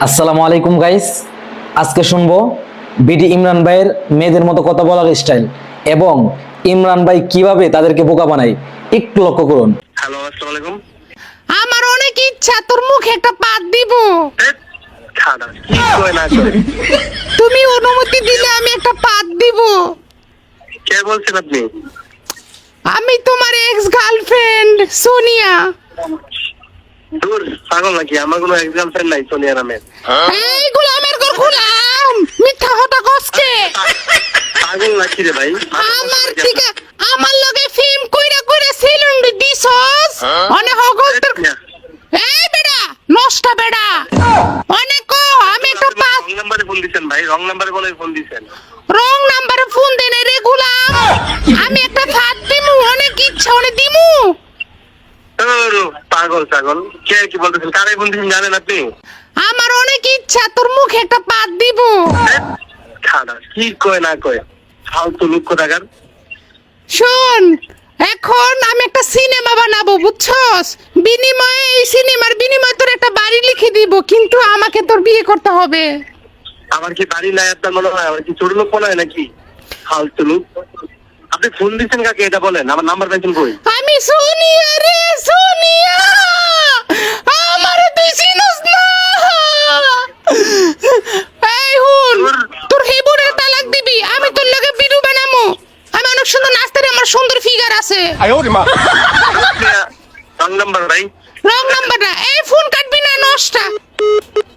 আসসালামু আলাইকুম গাইস, আজকে শুনবো বিডি ইমরান ভাইয়ের মেয়েদের মতো কথা বলার স্টাইল এবং ইমরান ভাই কিভাবে তাদেরকে বোকা বানায়। একটু লক্ষ্য করুন। হ্যালো, আসসালামু আলাইকুম। আমার অনেক ইচ্ছা তোর মুখে একটা পাত দিব। খানা কি কয় না করে? তুমি অনুমতি দিলে আমি একটা পাত দিব। কে বলছেন আপনি? আমি তোমার এক্স গার্লফ্রেন্ড সোনিয়া। দূর পাগল নাকি? আমার কোনো এক্স গার্লফ্রেন্ড নাই সোনিয়া নামের। এই গোলামের ঘর গোলাম, মিথ্যা কথা কসকে। পাগল নাকি রে ভাই? আমার থেকে আমার লগে ফিল্ম কইরা কইরা সেলুন দিছস অনেক হগল তোর। এই বেটা নষ্ট বেটা অনেক কো আমি একটা পাত। রং নাম্বারে ফোন দিছেন ভাই, রং নাম্বারে বলে ফোন দিছেন। রং নাম্বারে ফোন দেন রে গোলাম। আমি একটা পাত দিমু, অনেক ইচ্ছা অনেক দিমু। পাগল পাগল কে কি বলতেছেন? কারে ফোন দিছেন জানেন আপনি? আমার অনেক ইচ্ছা তোর মুখে একটা পাত দিব। খানা কি কয় না কয়? ফালতু লোক কোথাকার। শোন, এখন আমি একটা সিনেমা বানাবো বুঝছস। বিনিময়ে এই সিনেমার বিনিময়ে তোর একটা বাড়ি লিখে দিব, কিন্তু আমাকে তোর বিয়ে করতে হবে। আমার কি বাড়ি নাই আপনার মনে হয়? আমার কি ছোট লোক মনে হয় নাকি? ফালতু লোক। আপনি ফোন দিচ্ছেন কাকে এটা বলেন? আমার নাম্বার পাইছেন কই? আমি সোনিয়া রে সোনিয়া, আমারে তুই চিনস না। এই হুন, তোর হেবুরের তালাক দিবি, আমি তোর লগে ভিডিও বানামু। আমি অনেক সুন্দর নাচতে রে, আমার সুন্দর ফিগার আছে। রং নাম্বার ভাই। রং নাম্বারটা এই ফোন কাটবি না নষ্ট।